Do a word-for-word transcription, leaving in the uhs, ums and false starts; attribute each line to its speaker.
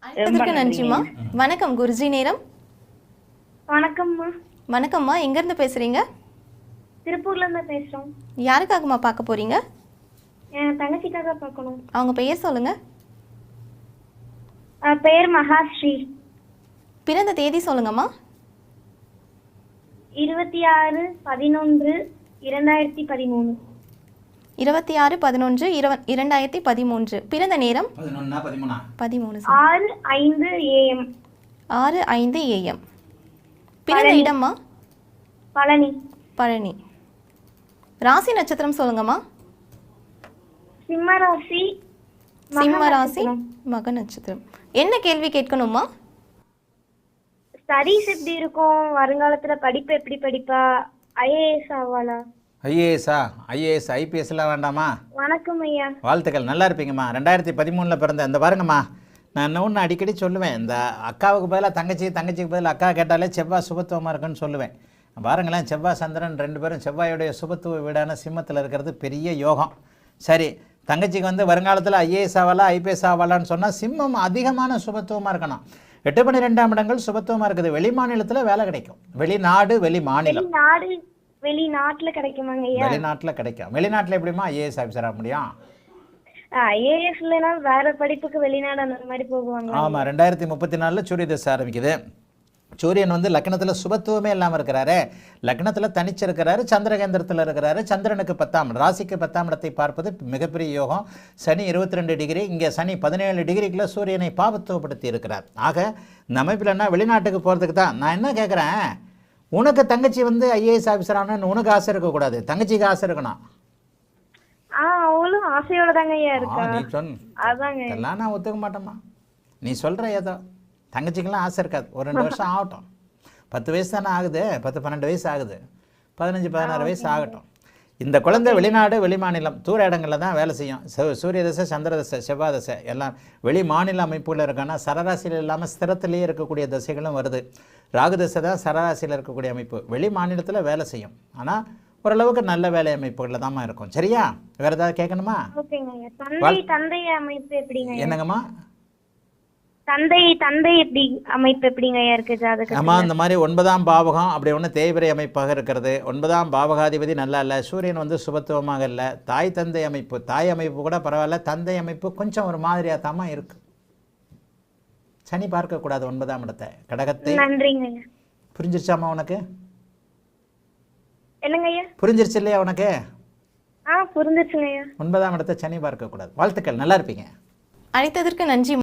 Speaker 1: ரொம்ப
Speaker 2: அழைத்ததற்கு நன்றிம்மா.
Speaker 1: நன்றிங்க.
Speaker 2: வணக்கம் குருஜி நேரம்.
Speaker 3: வணக்கம்மா.
Speaker 2: வணக்கம்மா, எங்கேருந்து பேசுகிறீங்க?
Speaker 3: திருப்பூர்ல இருந்து பேசுறோம்.
Speaker 2: யாருக்காகம்மா பார்க்க போகிறீங்க?
Speaker 3: என் தங்கச்சிக்காக பார்க்கணும்.
Speaker 2: அவங்க பெயர் சொல்லுங்கள்.
Speaker 3: அஹ் பேர் மகாஸ்ரீ.
Speaker 2: பிறந்த தேதி சொல்லுங்கம்மா.
Speaker 3: இருபத்தி ஆறு பதினொன்று இரண்டாயிரத்தி பதிமூணு.
Speaker 2: இருபத்தி ஆறு பதினொன்று இருவ இரண்டாயிரத்தி பதிமூன்று. பிறந்த நேரம்
Speaker 1: பதினொன்னா பதிமூணா
Speaker 2: பதிமூணு
Speaker 3: ஆறு ஐந்து ஏஎம்.
Speaker 2: ஆறு ஐந்து ஏஎம். பிறந்த
Speaker 3: பழனி.
Speaker 2: இடம்மா?
Speaker 3: பழனி.
Speaker 2: பழனி. ராசி நட்சத்திரம் சொல்லுங்கம்மா.
Speaker 3: சிம்மராசி. மக
Speaker 2: சிம்ம ராசி,
Speaker 3: நட்சத்திரம்.
Speaker 2: மக நட்சத்திரம். என்ன கேள்வி கேட்கணுமா?
Speaker 3: ஸ்டடீஸ் எப்படி இருக்கும், வருங்காலத்துல படிப்பு எப்படி படிப்பா, ஐஏஎஸ் ஆவாளா?
Speaker 1: ஐஏஎஸ்ஸா? ஐஏஎஸ் ஐபிஎஸ்லாம் வேண்டாமா?
Speaker 3: வணக்கம் ஐயா.
Speaker 1: வாழ்த்துக்கள், நல்லா இருப்பீங்கம்மா. ரெண்டாயிரத்தி பதிமூணில் பிறந்த இந்த பாருங்கம்மா, நான் இன்னும் ஒன்று அடிக்கடி சொல்லுவேன், இந்த அக்காவுக்கு பதிலாக தங்கச்சி, தங்கச்சிக்கு பதிலாக அக்கா கேட்டாலே செவ்வாய் சுபத்துவமாக இருக்குன்னு சொல்லுவேன். பாருங்களேன், செவ்வாய் சந்திரன் ரெண்டு பேரும் செவ்வாயுடைய சுபத்துவ வீடான சிம்மத்தில் இருக்கிறது பெரிய யோகம். சரி, தங்கச்சிக்கு வந்து வருங்காலத்தில் ஐஏஎஸ் ஆவாலா ஐபிஎஸ் ஆவாலான்னு சொன்னால் சிம்மம் அதிகமான சுபத்துவமாக இருக்கணும். எட்டு பன்னிரெண்டாம் இடங்கள் சுபத்துவமாக இருக்குது. வெளி மாநிலத்தில் வேலை கிடைக்கும். வெளிநாடு வெளி மாநிலம்
Speaker 3: வெளிநாடு வெளிநாட்டுல கிடைக்குமாங்க ஐயா?
Speaker 1: வெளிநாட்டில் கிடைக்கும். வெளிநாட்டில் எப்படிமா ஐஏஎஸ் ஆஃபீஸர் ஆக முடியும்?
Speaker 3: ஐஏஎஸ் இல்லைன்னா வேற படிப்புக்கு வெளிநாடு அந்த மாதிரி போகுவாங்க.
Speaker 1: ஆமாம், ரெண்டாயிரத்தி முப்பத்தி நாலில் சூரிய தசை ஆரம்பிக்குது. சூரியன் வந்து லக்னத்தில் சுபத்துவமே இல்லாமல் இருக்கிறாரு. லக்னத்தில் தனிச்சிருக்கிறாரு, சந்திரகேந்திரத்தில் இருக்கிறாரு. சந்திரனுக்கு பத்தாம் ராசிக்கு பத்தாம் இடத்தை பார்ப்பது மிகப்பெரிய யோகம். சனி இருபத்தி ரெண்டு டிகிரி, இங்கே சனி பதினேழு டிகிரிக்குள்ள சூரியனை பாவத்துவப்படுத்தி இருக்கிறார். ஆக இந்த அமைப்பில் என்ன, வெளிநாட்டுக்கு போகிறதுக்கு தான். நான் என்ன கேட்குறேன், உனக்கு தங்கச்சி வந்து ஐஏஎஸ் ஆஃபீஸர் ஆகணும்னு உனக்கு ஆசை இருக்கக்கூடாது, தங்கச்சிக்கு ஆசை இருக்கணும்.
Speaker 3: ஆ அவளும் ஆசையோட தாங்க ஐயா
Speaker 1: ஆ,
Speaker 3: இருக்கா.
Speaker 1: நீ சொன்ன
Speaker 3: அதாங்க.
Speaker 1: இதெல்லாம் நான் ஒத்துக்க மாட்டேம்மா. நீ சொல்கிற ஏதோ தங்கச்சிக்கெல்லாம் ஆசை இருக்காது. ஒரு ரெண்டு வருஷம் ஆகட்டும். பத்து வயசு தானே ஆகுது, பத்து பன்னெண்டு வயசு ஆகுது, பதினஞ்சு பதினாறு வயசு ஆகட்டும். இந்த குழந்தை வெளிநாடு வெளி மாநிலம் தூர இடங்களில் தான் வேலை செய்யும். சு- சூரிய தசை, சந்திர தசை, செவ்வாய் தசை எல்லாம் வெளி மாநில அமைப்புகள் இருக்கான்னா சரராசியில் இல்லாமல் ஸ்திரத்திலேயே இருக்கக்கூடிய தசைகளும் வருது. ராகு தசை தான் சரராசியில் இருக்கக்கூடிய அமைப்பு. வெளி மாநிலத்தில் வேலை செய்யும், ஆனால் ஓரளவுக்கு நல்ல வேலை அமைப்புகளில் தாம்மா இருக்கும். சரியா? வேறு ஏதாவது கேட்கணுமா?
Speaker 3: ஓகேங்க ஐயா. தந்தை தந்தை அமைப்பு எப்படிங்க ஐயா?
Speaker 1: என்னங்கம்மா?
Speaker 3: தந்தை தந்தை எப்படி அமைப்பு எப்படிங்க ஐயா இருக்கு ஜாதகத்துல?
Speaker 1: ஆமாம், இந்த மாதிரி ஒன்பதாம் பாவகம் அப்படி ஒன்று தேய்பிரை அமைப்பாக இருக்கிறது. ஒன்பதாம் பாவகாதிபதி நல்லா இல்லை. சூரியன் வந்து சுபத்துவமாக இல்லை. தாய் தந்தை அமைப்பு, தாய் அமைப்பு கூட பரவாயில்ல, தந்தை அமைப்பு கொஞ்சம் ஒரு மாதிரியாக தாம்மா இருக்கு. சனி பார்க்கக்கூடாது ஒன்பதாம் இடத்தை, கடகத்தை.
Speaker 3: நன்றிங்க ஐயா.
Speaker 1: புரிஞ்சிருச்சாம்மா உனக்கு?
Speaker 3: என்னங்க ஐயா?
Speaker 1: புரிஞ்சிருச்சு இல்லையா உனக்கு?
Speaker 3: ஆ புரிஞ்சிருச்சுங்க ஐயா.
Speaker 1: ஒன்பதாம் இடத்தை சனி பார்க்கக்கூடாது. வாழ்த்துக்கள், நல்லா இருப்பீங்க.
Speaker 2: அழைத்ததற்கு நன்றி.